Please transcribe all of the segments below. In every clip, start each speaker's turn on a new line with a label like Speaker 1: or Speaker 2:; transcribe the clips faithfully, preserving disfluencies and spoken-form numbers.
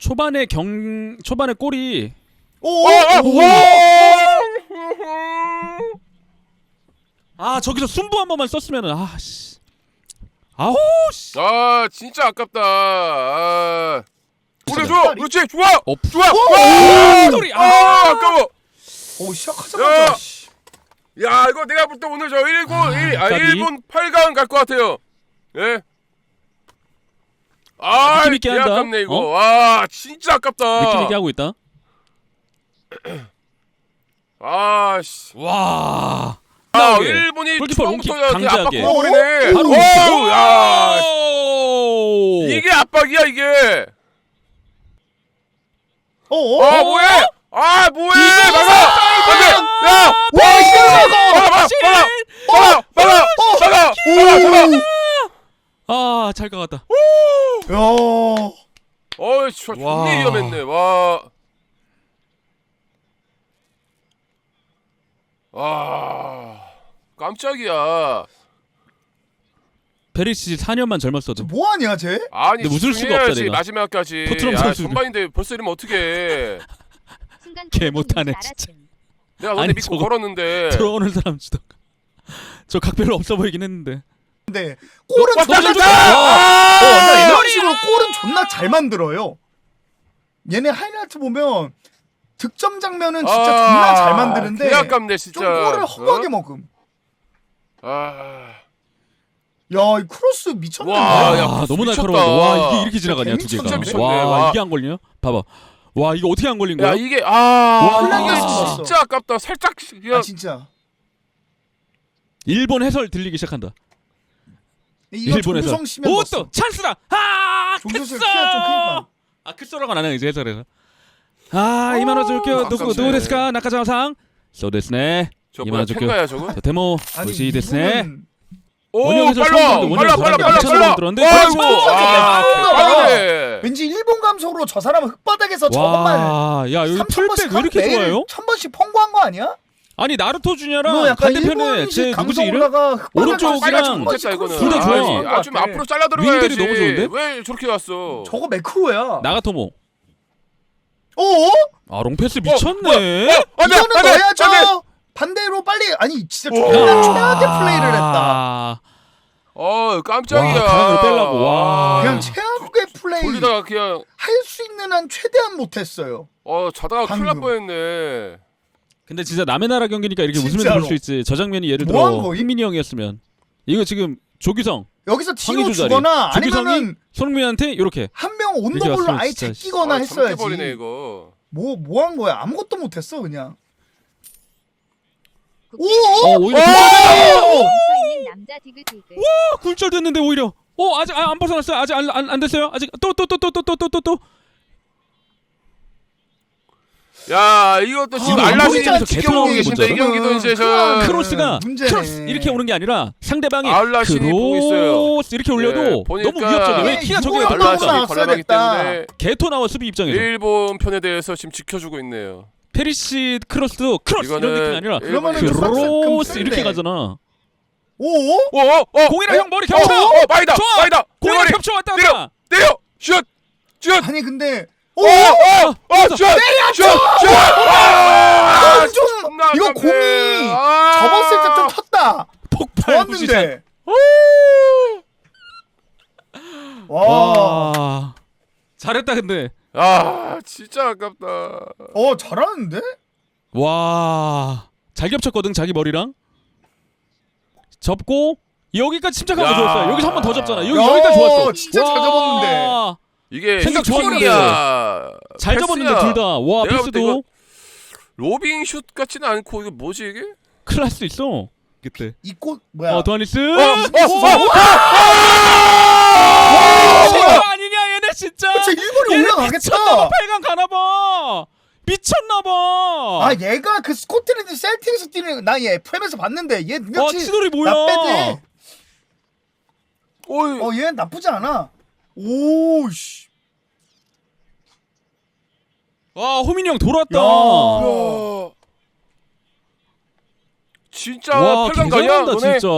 Speaker 1: 초반에 경 초반에 골이
Speaker 2: 오!
Speaker 1: 아 저기서 순부 한 번만 썼으면은 아씨 아우 씨.
Speaker 3: 아 진짜 아깝다. 아. 그래
Speaker 1: 진짜.
Speaker 3: 좋아, 그렇지 좋아,
Speaker 1: 어,
Speaker 3: 좋아.
Speaker 1: 오!
Speaker 3: 와!
Speaker 1: 소리.
Speaker 3: 아,
Speaker 1: 아!
Speaker 3: 아까워.
Speaker 2: 오 시작하자마자. 씨.
Speaker 3: 야 이거 내가 볼 때 오늘 저 일본
Speaker 1: 아,
Speaker 3: 일, 아,
Speaker 1: 까비.
Speaker 3: 일본 팔 강 갈 것 같아요. 예. 아,
Speaker 1: 느낌 있게
Speaker 3: 개
Speaker 1: 한다.
Speaker 3: 아깝네 이거.
Speaker 1: 어?
Speaker 3: 와, 진짜 아깝다.
Speaker 1: 느낌 있게 하고 있다.
Speaker 3: 아, 씨.
Speaker 1: 와.
Speaker 3: 아,
Speaker 1: 나오게.
Speaker 3: 일본이
Speaker 1: 골키퍼 롱킥
Speaker 3: 처음부터 이렇게
Speaker 1: 강제하게.
Speaker 3: 압박 걸어버리네.
Speaker 1: 바로
Speaker 3: 오, 야,
Speaker 1: 오!
Speaker 3: 이게 압박이야 이게.
Speaker 2: 어? 어?
Speaker 3: 아, 뭐해? 아, 뭐해?
Speaker 1: 이거
Speaker 3: 막아! 안돼! 야!
Speaker 2: 와 시작하고.
Speaker 3: 막아! 막아! 막아! 막아! 막아! 막아! 막아!
Speaker 1: 아, 잘 가갔다.
Speaker 2: 야.
Speaker 3: 어이, 저
Speaker 1: 와.
Speaker 3: 존나 위험했네. 와. 아. 깜짝이야.
Speaker 1: 페리시 사 년만 젊었어도
Speaker 2: 뭐 하냐 쟤?
Speaker 3: 아니,
Speaker 1: 근데 웃을 수가
Speaker 3: 집중해야지,
Speaker 1: 없다, 내가.
Speaker 3: 마지막까지.
Speaker 1: 토트넘
Speaker 3: 야,
Speaker 1: 선수들.
Speaker 3: 선반인데 벌써 이러면 어떡해.
Speaker 1: 개 못하네, 진짜.
Speaker 3: 내가 너네
Speaker 1: 아니,
Speaker 3: 믿고
Speaker 1: 저거
Speaker 3: 걸었는데.
Speaker 1: 들어오는 사람 주다. 저 각 별로 없어 보이긴 했는데.
Speaker 2: 근데 골은
Speaker 3: 와,
Speaker 2: 존나
Speaker 3: 딱
Speaker 2: 잘.
Speaker 3: 좋다!
Speaker 2: 어, 그러니까
Speaker 3: 아!
Speaker 2: 이런 식으로 골은 존나 잘 만들어요. 얘네 하이라이트 보면 득점 장면은 진짜
Speaker 3: 아,
Speaker 2: 존나 잘 만드는데
Speaker 3: 개 아깝네, 진짜.
Speaker 2: 좀 골을 허무하게
Speaker 3: 어?
Speaker 2: 먹음.
Speaker 3: 아.
Speaker 2: 야, 이 크로스 미쳤는데.
Speaker 3: 와, 야,
Speaker 1: 아,
Speaker 3: 크로스
Speaker 1: 너무
Speaker 3: 미쳤다.
Speaker 1: 날카로운데. 와, 이게 이렇게 지나가냐, 두
Speaker 2: 진짜
Speaker 1: 개가.
Speaker 3: 미쳤네.
Speaker 1: 와,
Speaker 3: 와.
Speaker 1: 이게 안 걸리냐? 봐봐. 와, 이거 어떻게 안 걸린 거야?
Speaker 3: 야, 이게 아.
Speaker 1: 와,
Speaker 3: 이게
Speaker 2: 플레이가
Speaker 3: 진짜 아깝다. 살짝
Speaker 2: 아 진짜.
Speaker 1: 일본 해설 들리기 시작한다.
Speaker 2: 이거
Speaker 1: 일본 해설.
Speaker 2: 조규성 씨면
Speaker 1: 오,
Speaker 2: 넣었어.
Speaker 1: 또 찬스다. 아,
Speaker 2: 조규성
Speaker 1: 크쏘!
Speaker 2: 키가 좀 크니까.
Speaker 1: 아, 크소라가 나네 이제 해설에서. 아, 이만화 줄게요. 누구
Speaker 3: 아깝네.
Speaker 1: 누구 데스까? 나카자상. 소 데스네.
Speaker 3: 저
Speaker 1: 이만화
Speaker 3: 뭐야,
Speaker 1: 줄게요.
Speaker 3: 팬가야 저거?
Speaker 1: 저 데모
Speaker 2: 아니
Speaker 1: 보시 데스네.
Speaker 2: 이분은
Speaker 3: 오,
Speaker 1: 원형 해설
Speaker 3: 빨라.
Speaker 1: 처음 들었는데
Speaker 3: 빨라,
Speaker 1: 원형
Speaker 3: 빨라,
Speaker 1: 해설
Speaker 3: 빨라,
Speaker 1: 미쳤나
Speaker 3: 빨라.
Speaker 1: 들었는데.
Speaker 3: 아이고.
Speaker 2: 그렇죠.
Speaker 3: 아,
Speaker 2: 그렇죠.
Speaker 3: 빠르네.
Speaker 2: 왠지 일본 감성으로 저 사람은 흙바닥에서 저것만
Speaker 1: 와, 야 여기
Speaker 2: 삼천 번씩
Speaker 1: 풀백 왜 이렇게
Speaker 2: 매일
Speaker 1: 좋아요?
Speaker 2: 천 번씩 펑고한 거 아니야?
Speaker 1: 아니 나루토
Speaker 2: 이거
Speaker 1: 주니어랑
Speaker 2: 약간
Speaker 1: 반대편에 제
Speaker 2: 일본식
Speaker 1: 누구지 이름?
Speaker 2: 감성으로다가 흙바닥
Speaker 1: 오른쪽이랑
Speaker 3: 빨리 좀 못했다 이거는.
Speaker 1: 둘다 좋아.
Speaker 3: 아니, 아, 좀 앞으로 잘라 들어가야지.
Speaker 1: 윙들이 너무 좋은데?
Speaker 3: 왜 저렇게 갔어?
Speaker 2: 저거 매크로야.
Speaker 1: 나가토모.
Speaker 2: 어?
Speaker 1: 아 롱패스
Speaker 3: 어,
Speaker 1: 미쳤네.
Speaker 3: 어, 안 돼,
Speaker 2: 이거는
Speaker 3: 안 돼,
Speaker 2: 넣어야죠.
Speaker 3: 안 돼.
Speaker 2: 반대로 빨리 아니 진짜
Speaker 3: 오.
Speaker 2: 존나 최악의 플레이를 했다.
Speaker 3: 어, 깜짝이야.
Speaker 1: 와, 가랑으로 빼려고, 와.
Speaker 2: 그냥 최악의 플레이
Speaker 3: 돌리다가 그냥
Speaker 2: 할 수 있는 한 최대한 못했어요.
Speaker 3: 어 자다가 큰일 날
Speaker 2: 방금.
Speaker 3: 뻔했네.
Speaker 1: 근데 진짜 남의 나라 경기니까 이렇게 웃으면서
Speaker 2: 진짜로.
Speaker 1: 볼 수 있지. 저 장면이 예를
Speaker 2: 뭐 한
Speaker 1: 들어
Speaker 2: 거임?
Speaker 1: 흥민이 형이었으면 이거 지금 조규성,
Speaker 2: 여기서 뒤로
Speaker 1: 황의조 자리.
Speaker 2: 주거나
Speaker 1: 조규성이
Speaker 2: 아니면은
Speaker 1: 손흥민한테 이렇게
Speaker 2: 한 명
Speaker 1: 이렇게
Speaker 2: 온더볼로
Speaker 1: 왔으면
Speaker 2: 아예
Speaker 1: 진짜
Speaker 2: 제끼거나
Speaker 3: 아,
Speaker 2: 했어야지.
Speaker 3: 버리네 이거.
Speaker 2: 뭐 뭐 한 거야? 아무것도 못했어 그냥. 오!
Speaker 1: 어 오히려
Speaker 2: 오!
Speaker 4: 있는 남자 디귿디귿.
Speaker 1: 어, 굴절됐는데 오히려. 어 아직 아, 안 벗어났어요. 아직 안 안 안 됐어요. 아직 또 또 또 또 또 또 또 또.
Speaker 3: 야, 이것도 지금
Speaker 1: 아,
Speaker 3: 알라딘이
Speaker 1: 보이지
Speaker 3: 지켜보고
Speaker 1: 않지?
Speaker 3: 계신데 이
Speaker 1: 개토나오는
Speaker 3: 경기도 이제 저
Speaker 2: 그만.
Speaker 1: 크로스가
Speaker 2: 문제네.
Speaker 1: 크로스 이렇게 오는 게 아니라 상대방이
Speaker 3: 알라신이 보고 있어요.
Speaker 1: 크로스 이렇게 올려도
Speaker 3: 예, 보니까
Speaker 1: 너무 위협적이야. 왜 키가 저게
Speaker 2: 이거야,
Speaker 1: 올라가?
Speaker 2: 알라신.
Speaker 3: 알라신이
Speaker 2: 나왔어야
Speaker 3: 관람하기
Speaker 2: 됐다.
Speaker 3: 때문에
Speaker 1: 개토 나와 수비 입장에서
Speaker 3: 일본 편에 대해서 지금 지켜주고 있네요.
Speaker 1: 페리시 크로스도 크로스 이런
Speaker 3: 이거는
Speaker 1: 느낌이 아니라
Speaker 2: 그러면은
Speaker 3: 일본이
Speaker 2: 좀
Speaker 1: 크로스
Speaker 2: 빡센데.
Speaker 1: 이렇게 가잖아.
Speaker 2: 오?
Speaker 3: 오, 어, 어,
Speaker 1: 공이랑
Speaker 3: 어,
Speaker 1: 형 머리 겹쳐.
Speaker 3: 어, 어, 마이다,
Speaker 1: 좋아.
Speaker 3: 마이다.
Speaker 1: 공이랑
Speaker 3: 대머리.
Speaker 1: 겹쳐 왔다
Speaker 3: 때려,
Speaker 1: 갔다.
Speaker 3: 때려, 슛, 슛.
Speaker 2: 아니 근데
Speaker 3: 오, 어, 어, 슛, 슛, 슛. 아,
Speaker 2: 좀
Speaker 3: 존나
Speaker 2: 이거
Speaker 3: 아깝네.
Speaker 2: 공이
Speaker 3: 아.
Speaker 2: 접었을 때 좀 컸다.
Speaker 1: 폭발 무시샷.
Speaker 2: 좋았는데. 와.
Speaker 1: 와. 잘했다 근데.
Speaker 3: 아, 진짜 아깝다.
Speaker 2: 어 잘하는데?
Speaker 1: 와. 잘 겹쳤거든 자기 머리랑. 접고 여기까지 침착한 거
Speaker 3: 야.
Speaker 1: 좋았어요. 여기서 한 번 더 접잖아. 여기
Speaker 2: 야,
Speaker 1: 여기까지 좋았어.
Speaker 2: 진짜 잘 접었는데.
Speaker 3: 이게
Speaker 1: 생각 좋았는데.
Speaker 3: 슈팅이야,
Speaker 1: 잘
Speaker 3: 패스야.
Speaker 1: 접었는데 둘 다. 와
Speaker 3: 내가 볼때 이거
Speaker 1: 패스도
Speaker 3: 로빙 슛 같지는 않고 이거 뭐지 이게?
Speaker 1: 큰일 날 수도 있어. 그때.
Speaker 2: 이 꽃 뭐야?
Speaker 1: 어 도하니스.
Speaker 3: 어, 어,
Speaker 1: 와 아니냐 얘네 진짜.
Speaker 2: 저 일본이
Speaker 1: 얘네
Speaker 2: 올라가겠다.
Speaker 1: 미쳤나봐. 팔 강 가나봐. 미쳤나봐.
Speaker 2: 아 얘가 그 스코틀랜드 셀틱에서 뛰는 나 얘 에프엠에서 봤는데 얘
Speaker 1: 와
Speaker 2: 능력치
Speaker 1: 치돌이 뭐야?
Speaker 2: 나빼네.
Speaker 3: 어이.
Speaker 2: 어 얘 나쁘지 않아. 오씨.
Speaker 1: 와 호민이 형 돌아왔다.
Speaker 2: 야.
Speaker 3: 야. 진짜
Speaker 1: 와
Speaker 3: 팔 강 가냐
Speaker 1: 개잘한다
Speaker 3: 너네?
Speaker 1: 진짜.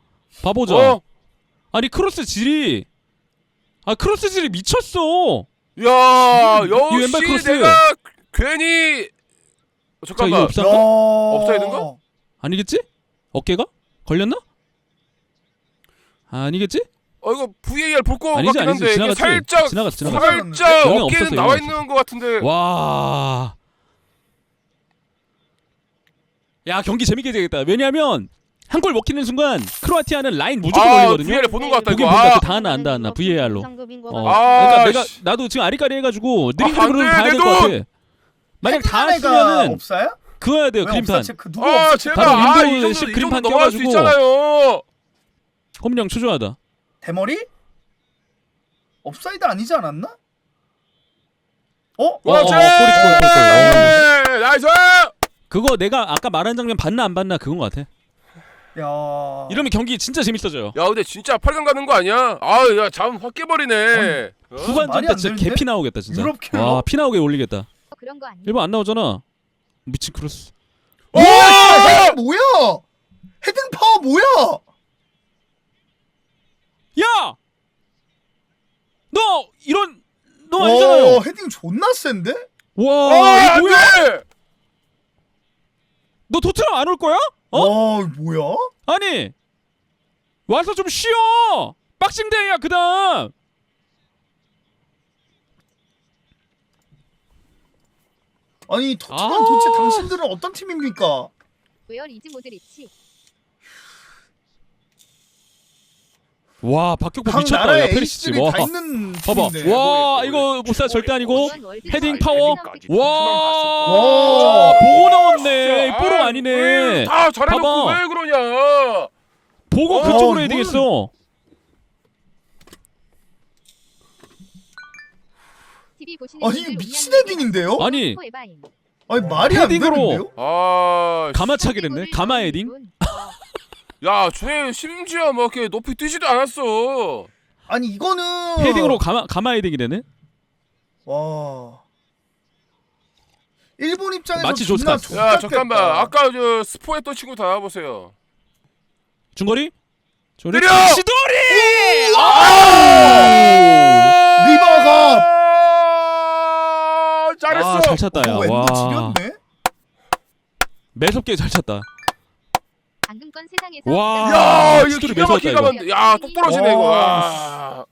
Speaker 1: 봐보자.
Speaker 3: 어?
Speaker 1: 아니 크로스 질이 아 크로스 질이 미쳤어.
Speaker 3: 야
Speaker 1: 이 왼발
Speaker 3: 역시
Speaker 1: 크로스.
Speaker 3: 내가 괜히 어,
Speaker 1: 자 이거
Speaker 3: 잠깐만.
Speaker 1: 없어?
Speaker 3: 업사이드인가?
Speaker 1: 아니겠지? 어깨가? 걸렸나? 아니겠지?
Speaker 3: 어 이거 브이에이알 볼 거
Speaker 1: 아니지
Speaker 3: 같긴
Speaker 1: 아니지
Speaker 3: 한데 이게
Speaker 1: 지나갔지.
Speaker 3: 살짝
Speaker 1: 지나갔어 지나갔어.
Speaker 3: 살짝
Speaker 1: 영향
Speaker 3: 어깨는
Speaker 1: 없었어,
Speaker 3: 나와
Speaker 1: 영향
Speaker 3: 있는 거 같은데.
Speaker 1: 와. 야 경기 재밌게 되겠다. 왜냐하면 한 골 먹히는 순간 크로아티아는 라인 무조건
Speaker 3: 아
Speaker 1: 올리거든요.
Speaker 3: 브이에이알 보는 거 같다
Speaker 1: 보긴
Speaker 3: 이거.
Speaker 1: 본다.
Speaker 3: 아,
Speaker 1: 그 다 하나 안다 안나 브이에이알로. 어.
Speaker 3: 아,
Speaker 1: 그러니까 내가
Speaker 3: 씨.
Speaker 1: 나도 지금 아리까리 해가지고 느린
Speaker 3: 아, 안
Speaker 1: 그림으로
Speaker 3: 돼,
Speaker 1: 봐야 될 것
Speaker 3: 내도!
Speaker 1: 같아. 만약 다
Speaker 2: 헤딩하네가
Speaker 1: 했으면은
Speaker 2: 없어요?
Speaker 1: 그어야 돼요
Speaker 2: 왜
Speaker 1: 그림판.
Speaker 2: 없어? 체크 누구
Speaker 3: 아
Speaker 2: 없어?
Speaker 3: 제발
Speaker 1: 바로
Speaker 3: 아,
Speaker 1: 윈도우
Speaker 3: 이
Speaker 1: 십
Speaker 3: 정도 이
Speaker 1: 그림판
Speaker 3: 정도 넘어갈 수
Speaker 1: 껴가지고.
Speaker 3: 있잖아요.
Speaker 1: 홈령 초조하다.
Speaker 2: 대머리? 업사이드 아니지 않았나? 어?
Speaker 3: 그렇지.
Speaker 1: 어, 어, 꼬리, 꼬리, 꼬리, 꼬리.
Speaker 3: 네, 나이스.
Speaker 1: 그거 내가 아까 말한 장면 봤나 안 봤나 그건 것 같아.
Speaker 2: 야.
Speaker 1: 이러면 경기 진짜 재밌어져요.
Speaker 3: 야 근데 진짜 팔 강 가는 거 아니야? 아야 잠 확 깨버리네. 어?
Speaker 1: 후반전
Speaker 2: 말이
Speaker 1: 때
Speaker 2: 안
Speaker 1: 진짜
Speaker 2: 되는데?
Speaker 1: 개피 나오겠다 진짜.
Speaker 2: 유럽 킬러?
Speaker 1: 와 피 나오게 올리겠다.
Speaker 4: 그런 거 아니야?
Speaker 1: 일본 안 나오잖아. 미친 크로스.
Speaker 3: 오!
Speaker 2: 헤딩 뭐야? 헤딩 파워 뭐야?
Speaker 1: 야! 너 이런 너 아니잖아요.
Speaker 2: 어, 헤딩 존나 센데?
Speaker 1: 와
Speaker 3: 아,
Speaker 1: 이거 뭐야?
Speaker 3: 안돼.
Speaker 1: 너 토트넘 안 올 거야? 어?
Speaker 2: 와, 뭐야?
Speaker 1: 아니 와서 좀 쉬어. 박싱데이야 그다음.
Speaker 2: 아니 토트넘
Speaker 1: 아.
Speaker 2: 도대체 당신들은 어떤 팀입니까?
Speaker 4: 웨어 리즈 모드리치.
Speaker 1: 와 박격포
Speaker 2: 각
Speaker 1: 미쳤다. 야
Speaker 2: 나라의
Speaker 1: 페리시치.
Speaker 2: 에이스들이
Speaker 1: 와
Speaker 2: 다 있는
Speaker 1: 봐봐.
Speaker 2: 팀인데.
Speaker 1: 와 이거 못사 절대 아니고.
Speaker 4: 이번 월드
Speaker 1: 헤딩
Speaker 4: 컵
Speaker 1: 파워.
Speaker 4: 헤딩까지
Speaker 1: 와
Speaker 2: 와.
Speaker 1: 보고 나왔네. 뽀록 아니네.
Speaker 3: 다 잘해놓고
Speaker 1: 봐봐.
Speaker 3: 왜 그러냐?
Speaker 1: 보고
Speaker 3: 어,
Speaker 1: 그쪽으로 해야
Speaker 2: 이거는-
Speaker 1: 되겠어.
Speaker 4: 티비 보시는
Speaker 2: 아니
Speaker 4: 분들
Speaker 2: 미친
Speaker 4: 운영
Speaker 2: 헤딩인데요?
Speaker 1: 아니
Speaker 4: 에바임.
Speaker 2: 아니 말이 안
Speaker 1: 헤딩으로.
Speaker 2: 되는데요?
Speaker 3: 아,
Speaker 1: 가마차기를 했네. 가마 헤딩.
Speaker 3: 야, 쟤 심지어 뭐 이렇게 높이 뛰지도 않았어.
Speaker 2: 아니 이거는
Speaker 1: 헤딩으로 가마 가마 헤딩이래네.
Speaker 2: 와. 일본 입장에서
Speaker 1: 마치
Speaker 2: 존나
Speaker 1: 조스카스.
Speaker 3: 야,
Speaker 2: 족같겠다.
Speaker 3: 잠깐만. 아까 저 스포했던 친구 다 나와보세요.
Speaker 1: 중거리? 저리
Speaker 3: 때려!
Speaker 1: 시도리!
Speaker 2: 리바가
Speaker 3: 아, 잘했어.
Speaker 1: 아, 잘 찼다 야.
Speaker 2: 어, 왼도
Speaker 1: 와.
Speaker 2: 지렸네.
Speaker 1: 매섭게 잘 찼다.
Speaker 4: 방금건 세상에서
Speaker 1: 와.
Speaker 4: 가장
Speaker 3: 야, 이거
Speaker 1: 시도리
Speaker 3: 기가 막히게
Speaker 1: 매서웠다,
Speaker 3: 가면 야, 똑 부러지네 이거. 와.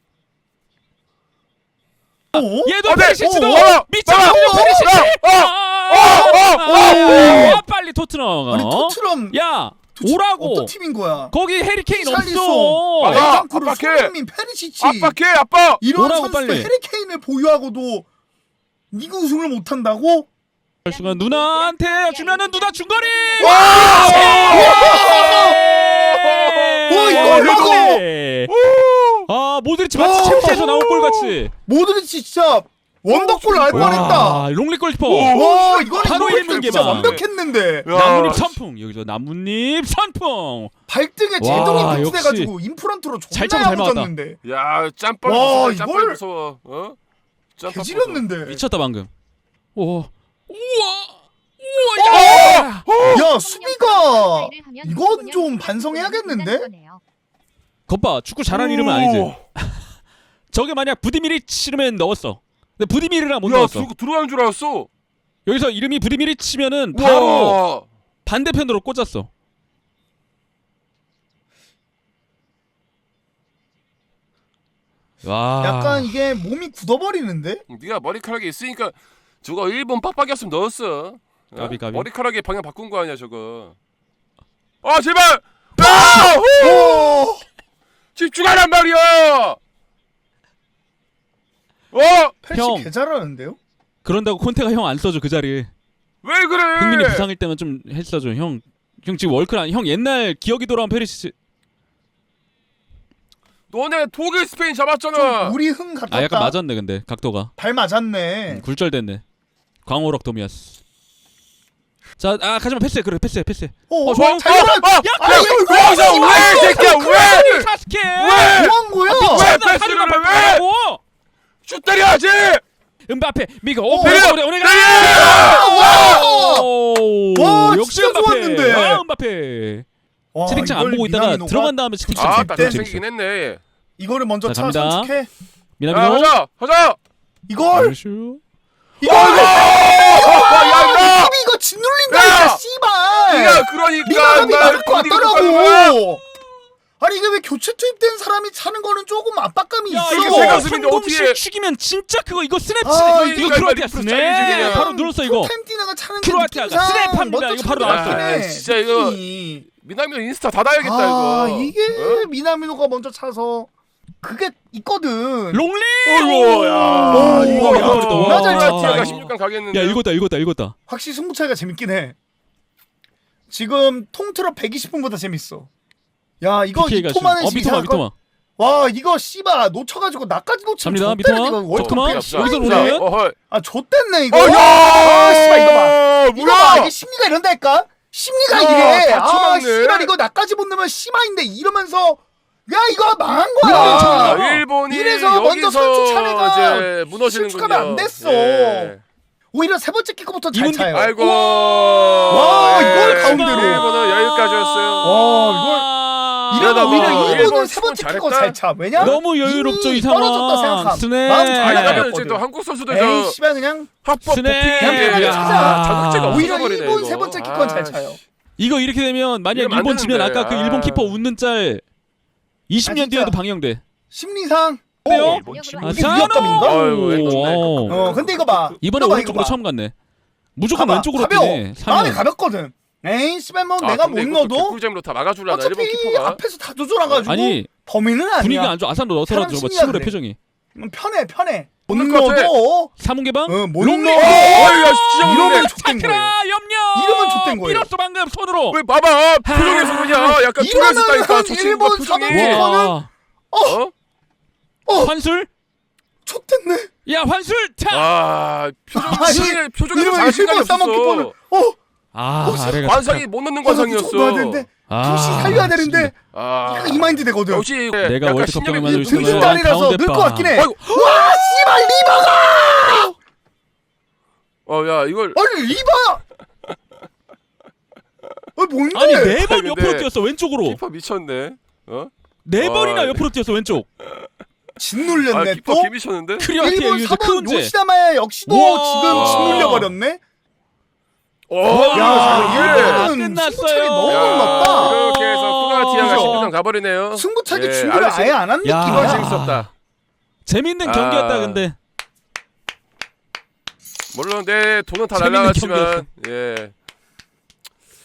Speaker 2: 어?
Speaker 1: 얘도
Speaker 3: 아, 네.
Speaker 1: 페리시치도
Speaker 3: 오, 오,
Speaker 1: 미쳤어.
Speaker 3: 오,
Speaker 1: 페리시치.
Speaker 3: 오, 오,
Speaker 1: 아,
Speaker 3: 오,
Speaker 1: 아, 아, 빨리 토트넘.
Speaker 2: 아니
Speaker 1: 어?
Speaker 2: 토트넘
Speaker 1: 야,
Speaker 2: 도대체
Speaker 1: 오라고.
Speaker 2: 어떤 팀인 거야?
Speaker 1: 거기 해리케인
Speaker 2: 샬리송.
Speaker 1: 없어.
Speaker 3: 아,
Speaker 2: 벤탄쿠르,
Speaker 3: 압박해.
Speaker 2: 손흥민, 페리시치
Speaker 3: 압박해, 아빠.
Speaker 2: 이런
Speaker 1: 오라고,
Speaker 2: 선수들
Speaker 1: 빨리.
Speaker 2: 해리케인을 보유하고도 리그 우승을 못 한다고?
Speaker 1: 할 순간 누나한테 주면은 누나 중거리.
Speaker 2: 와!
Speaker 1: 와
Speaker 2: 와, 이걸 막어!
Speaker 1: 아 모드리치 마치
Speaker 2: 와.
Speaker 1: 챔스에서 나온 골 같이.
Speaker 2: 모드리치 진짜 원더골 날 뻔했다.
Speaker 1: 롱리 골키퍼.
Speaker 2: 와, 이거는
Speaker 1: 바로
Speaker 2: 이거
Speaker 1: 일문
Speaker 2: 진짜
Speaker 1: 개방.
Speaker 2: 완벽했는데.
Speaker 3: 야,
Speaker 1: 나뭇잎 선풍 여기서 나뭇잎 선풍.
Speaker 2: 발등에
Speaker 1: 와,
Speaker 2: 제동이
Speaker 1: 역시.
Speaker 2: 붙여가지고 인프런트로
Speaker 1: 잘
Speaker 2: 존나
Speaker 1: 참고 잘
Speaker 2: 야무졌는데.
Speaker 3: 야, 짬밥
Speaker 2: 와,
Speaker 3: 무서워. 짬밥
Speaker 2: 이걸-
Speaker 3: 무서워. 어? 짬밥 무서워.
Speaker 2: 개지렸는데.
Speaker 1: 미쳤다 방금. 오. 우와. 우와. 야.
Speaker 2: 야, 수비가 이건 좀 반성해야겠는데?
Speaker 1: 겉봐 축구 잘하는 이름은 아니지. 저게 만약 부디미리치면 넣었어. 근데 부디미리랑 못
Speaker 3: 야,
Speaker 1: 넣었어.
Speaker 3: 들, 들어간 줄 알았어.
Speaker 1: 여기서 이름이 부디미리치면은 바로
Speaker 3: 우와.
Speaker 1: 반대편으로 꽂았어. 와.
Speaker 2: 약간 이게 몸이 굳어버리는데?
Speaker 3: 네가 머리카락이 있으니까 저거 일본 빡빡이었으면 넣었어. 어?
Speaker 1: 까비, 까비.
Speaker 3: 머리카락에 방향 바꾼 거 아니야 저거. 아 제발. 아! 후!
Speaker 2: 오!
Speaker 3: 집중하란 말이야. 어?
Speaker 2: 패시
Speaker 1: 형.
Speaker 2: 개 잘하는데요?
Speaker 1: 그런다고 콘테가 형 안 써줘 그 자리에.
Speaker 3: 왜 그래?
Speaker 1: 흥민이 부상일 때만 좀 했어줘. 형, 형 지금 월클 형 옛날 기억이 돌아온 페리시치.
Speaker 3: 너네 독일 스페인 잡았잖아.
Speaker 2: 우리 흥 같았다.
Speaker 1: 아 약간 맞았네 근데 각도가.
Speaker 2: 발 맞았네.
Speaker 1: 음, 굴절됐네. 광호럭 도미아스. 자, 아 가지마 패스해 그래 패스해 패스해.
Speaker 2: 어,
Speaker 1: 어, 좋아요.
Speaker 2: 잘 잡아.
Speaker 3: 야,
Speaker 2: 아니,
Speaker 3: 야,
Speaker 2: 이거 왜
Speaker 3: 여기서
Speaker 2: 이거
Speaker 3: 왜,
Speaker 2: 이거
Speaker 3: 새끼야,
Speaker 2: 이거
Speaker 3: 왜?
Speaker 1: 사스케.
Speaker 3: 왜?
Speaker 2: 뭐한 거야?
Speaker 3: 왜 패스를 왜? 슛 때려야지.
Speaker 1: 은바페 미가
Speaker 2: 어,
Speaker 1: 오페
Speaker 3: 때려!
Speaker 1: 오래 오래가.
Speaker 2: 와!
Speaker 1: 오,
Speaker 2: 와,
Speaker 1: 역시
Speaker 2: 진짜
Speaker 1: 은바페.
Speaker 2: 좋았는데.
Speaker 1: 아, 은바페.
Speaker 2: 와,
Speaker 1: 채팅창 안
Speaker 2: 이걸
Speaker 1: 보고 있다가
Speaker 2: 미나미노가-
Speaker 1: 들어간 다음에 채팅창
Speaker 3: 아,
Speaker 1: 좀
Speaker 3: 딱
Speaker 1: 재밌어.
Speaker 3: 잘생기긴 했네.
Speaker 2: 이거를 먼저
Speaker 1: 자,
Speaker 2: 차
Speaker 1: 갑니다.
Speaker 2: 선축해.
Speaker 3: 야,
Speaker 1: 미나미노.
Speaker 3: 가자, 가자.
Speaker 2: 이걸
Speaker 1: 슈.
Speaker 2: 이걸
Speaker 3: 야,
Speaker 2: 티비 이거 짓눌린다니까
Speaker 3: 야!
Speaker 2: 씨발.
Speaker 3: 야, 그러니까
Speaker 2: 리바감이
Speaker 3: 나
Speaker 2: 나올 것
Speaker 3: 어디가 가는 거야?
Speaker 2: 같더라고. 아니 이게 왜 교체 투입된 사람이 차는 거는 조금 압박감이
Speaker 1: 야
Speaker 2: 있어.
Speaker 1: 이거
Speaker 3: 새
Speaker 1: 내가
Speaker 3: 가슴인데
Speaker 1: 성공실
Speaker 3: 어떻게-
Speaker 1: 죽이면 진짜 그거 이거 스냅
Speaker 2: 아,
Speaker 1: 치네. 이거
Speaker 3: 이거
Speaker 1: 이거 크로아티아
Speaker 3: 리프트
Speaker 1: 스냅.
Speaker 3: 차이지, 그냥.
Speaker 1: 바로 눌렀어 이거.
Speaker 2: 템티나가 차는 게
Speaker 1: 크로아티아가
Speaker 2: 느낌상
Speaker 1: 스냅합니다.
Speaker 2: 먼저
Speaker 1: 이거 바로
Speaker 2: 차는
Speaker 1: 나왔어.
Speaker 2: 것 같긴 해.
Speaker 3: 아, 진짜 이거
Speaker 2: 느낌이.
Speaker 3: 미나미 인스타 닫아야겠다
Speaker 2: 아
Speaker 3: 이거.
Speaker 2: 이게
Speaker 3: 어?
Speaker 2: 미나미노가 먼저 차서 그게 있거든.
Speaker 1: 롱리.
Speaker 3: 어이구, 야,
Speaker 2: 오,
Speaker 3: 이거
Speaker 2: 야,
Speaker 1: 와.
Speaker 3: 크로아티아가
Speaker 2: 와.
Speaker 3: 십육 강 가겠는데.
Speaker 1: 야 읽었다 읽었다 읽었다.
Speaker 2: 확실히 승부 차이가 재밌긴 해. 지금 통틀어 백이십 분보다 재밌어. 야 이거
Speaker 1: 피케이가
Speaker 2: 이토마는
Speaker 1: 어 미토마
Speaker 2: 이상할 걸-
Speaker 1: 미토마.
Speaker 2: 와 이거 씨바 놓쳐가지고 나까지 놓치면
Speaker 1: 갑니다,
Speaker 2: 좆대는
Speaker 1: 미토마.
Speaker 2: 이거 월드컵
Speaker 1: 미토마.
Speaker 2: 그냥
Speaker 1: 여기서
Speaker 2: 씨발인데.
Speaker 1: 노래요?
Speaker 3: 어, 헐.
Speaker 2: 아 좆됐네 이거.
Speaker 3: 어, 야!
Speaker 2: 아 씨발 이거 봐. 이거 봐
Speaker 3: 뭐야?
Speaker 2: 이게 심리가 이런다니까. 심리가
Speaker 3: 야,
Speaker 2: 이래.
Speaker 3: 다
Speaker 2: 아
Speaker 3: 쳐맞네.
Speaker 2: 씨발 이거 나까지 못 넣으면 심화인데 이러면서 야 이거 망한
Speaker 3: 아,
Speaker 2: 거야.
Speaker 3: 일본이
Speaker 2: 이래서 먼저
Speaker 3: 여기서
Speaker 2: 선수 차례가
Speaker 3: 이제 무너지는군요.
Speaker 2: 실축하면 안 됐어.
Speaker 3: 예.
Speaker 2: 오히려 세 번째 키커부터 잘
Speaker 1: 이분-
Speaker 2: 차요.
Speaker 3: 아이고.
Speaker 2: 와, 이걸
Speaker 3: 예.
Speaker 2: 가운데로.
Speaker 3: 일본은 여기까지였어요.
Speaker 2: 와, 이러다
Speaker 3: 이러다가
Speaker 2: 오히려 일본은
Speaker 3: 일본
Speaker 2: 세 번째
Speaker 3: 잘했다.
Speaker 2: 키커 잘 차. 왜냐?
Speaker 1: 너무 여유롭죠
Speaker 2: 이미
Speaker 1: 이 상황.
Speaker 2: 떨어졌다 생각함.
Speaker 1: 스냅.
Speaker 2: 마음
Speaker 3: 아,
Speaker 2: 잘
Speaker 3: 이러면
Speaker 2: 나갔거든.
Speaker 3: 이제 또 한국 선수들
Speaker 2: 에이
Speaker 3: 저
Speaker 2: 씨발 그냥
Speaker 3: 합법
Speaker 1: 스냅.
Speaker 3: 도핑에
Speaker 1: 야.
Speaker 3: 자극제가
Speaker 2: 오히려
Speaker 3: 없어버리네,
Speaker 2: 일본
Speaker 3: 이거.
Speaker 2: 세 번째 키커는 잘
Speaker 3: 아,
Speaker 2: 차요.
Speaker 1: 이거 이렇게 되면 만약
Speaker 3: 이러면 안
Speaker 1: 일본 지면
Speaker 3: 되는데.
Speaker 1: 아까 그
Speaker 3: 아.
Speaker 1: 일본 키퍼 웃는 짤 이십 년
Speaker 2: 아, 진짜.
Speaker 1: 뒤에도 방영돼.
Speaker 2: 심리상.
Speaker 1: 어때요?
Speaker 2: 어,
Speaker 4: 일본
Speaker 1: 아,
Speaker 2: 이게 위협감인가?
Speaker 3: 아유, 왼쪽네.
Speaker 2: 어, 근데 이거 봐.
Speaker 1: 이번에
Speaker 2: 이거 봐,
Speaker 1: 오른쪽으로
Speaker 2: 이거 봐.
Speaker 1: 처음 갔네. 무조건
Speaker 2: 봐봐,
Speaker 1: 왼쪽으로
Speaker 2: 가벼워.
Speaker 1: 뛰네.
Speaker 2: 마음이
Speaker 1: 삼 년.
Speaker 2: 가볍거든. 에이 씨발 뭐
Speaker 3: 아,
Speaker 2: 내가 못
Speaker 3: 근데 이것도
Speaker 2: 넣어도
Speaker 3: 개꿀잼으로 다 막아주려나 일본
Speaker 2: 어차피
Speaker 3: 키퍼가.
Speaker 2: 앞에서 다 조절해가지고
Speaker 1: 아니
Speaker 2: 범인은 아니야.
Speaker 1: 분위기가 안 좋아. 아산도 넣어서라도
Speaker 2: 사람
Speaker 1: 저거
Speaker 2: 심리가
Speaker 1: 친구의
Speaker 2: 그래.
Speaker 1: 표정이.
Speaker 2: 음, 편해 편해. 못
Speaker 3: 오늘 것 같아.
Speaker 2: 넣어도
Speaker 1: 사문 개방.
Speaker 2: 어, 못
Speaker 1: 롱리.
Speaker 2: 넣어도
Speaker 3: 어이야 진짜
Speaker 2: 이러면
Speaker 3: 모르네.
Speaker 2: 족된 거예요.
Speaker 1: 차크라 염려.
Speaker 2: 이러면 족된 거예요.
Speaker 1: 밀었어 방금 손으로.
Speaker 3: 왜 봐봐 표정에서 그냥 약간
Speaker 2: 이러면
Speaker 3: 뚫렸다니까
Speaker 2: 한
Speaker 3: 저 친구가
Speaker 2: 일본
Speaker 3: 표정이.
Speaker 2: 사범
Speaker 1: 와.
Speaker 3: 어?
Speaker 2: 어
Speaker 1: 환술.
Speaker 2: 족됐네.
Speaker 1: 야 환술. 타.
Speaker 3: 와 표정
Speaker 2: 아니,
Speaker 3: 표정에 표정에서
Speaker 2: 이러면
Speaker 3: 자신감이
Speaker 2: 일본 싸먹기권을
Speaker 3: 없었어.
Speaker 2: 어
Speaker 1: 아
Speaker 2: 혹시
Speaker 1: 아래가.
Speaker 3: 관상이 못 넣는
Speaker 2: 넣어야
Speaker 3: 관상이었어.
Speaker 2: 되는데
Speaker 1: 아,
Speaker 2: 푸시 살려야 되는데
Speaker 3: 아
Speaker 2: 이거 이 마인드 되거든.
Speaker 3: 역시
Speaker 1: 내가
Speaker 3: 약간
Speaker 1: 월드컵
Speaker 3: 신념이
Speaker 1: 경험을 만들고
Speaker 3: 있는
Speaker 1: 있으면
Speaker 3: 분이야.
Speaker 2: 등신다리라서
Speaker 1: 가운데
Speaker 2: 늘 것
Speaker 1: 봐.
Speaker 2: 같긴 해.
Speaker 3: 아이고.
Speaker 2: 와 씨발 리바가.
Speaker 3: 어야 이걸
Speaker 2: 아니 리바. 어 뭔데?
Speaker 1: 아니 네 번
Speaker 3: 근데
Speaker 1: 옆으로 뛰었어 왼쪽으로.
Speaker 3: 키퍼 미쳤네. 어?
Speaker 1: 네
Speaker 3: 아,
Speaker 1: 번이나
Speaker 3: 네.
Speaker 1: 옆으로 뛰었어 왼쪽.
Speaker 2: 짓눌렸네
Speaker 3: 아 키퍼
Speaker 2: 또.
Speaker 3: 개 미쳤는데.
Speaker 1: 크리아티아
Speaker 2: 일본
Speaker 1: 유저
Speaker 2: 사범
Speaker 1: 크운제.
Speaker 2: 요시다마야 역시도
Speaker 1: 우와.
Speaker 2: 지금 짓눌려 버렸네.
Speaker 3: 오,
Speaker 2: 야,
Speaker 1: 야,
Speaker 2: 일본은
Speaker 1: 끝났어요.
Speaker 2: 승부차이 너무
Speaker 3: 야,
Speaker 2: 높다.
Speaker 3: 이렇게 해서 크로아티아가
Speaker 2: 그죠?
Speaker 3: 십육 강 가버리네요.
Speaker 2: 승부차기
Speaker 3: 예,
Speaker 2: 준비를
Speaker 3: 아주
Speaker 2: 아예 안 한
Speaker 1: 야.
Speaker 3: 이거
Speaker 2: 느낌이야.
Speaker 3: 재밌었다.
Speaker 1: 재밌는
Speaker 3: 아.
Speaker 1: 경기였다 근데.
Speaker 3: 물론 내 돈은 다
Speaker 1: 재밌는
Speaker 3: 날라갔지만 예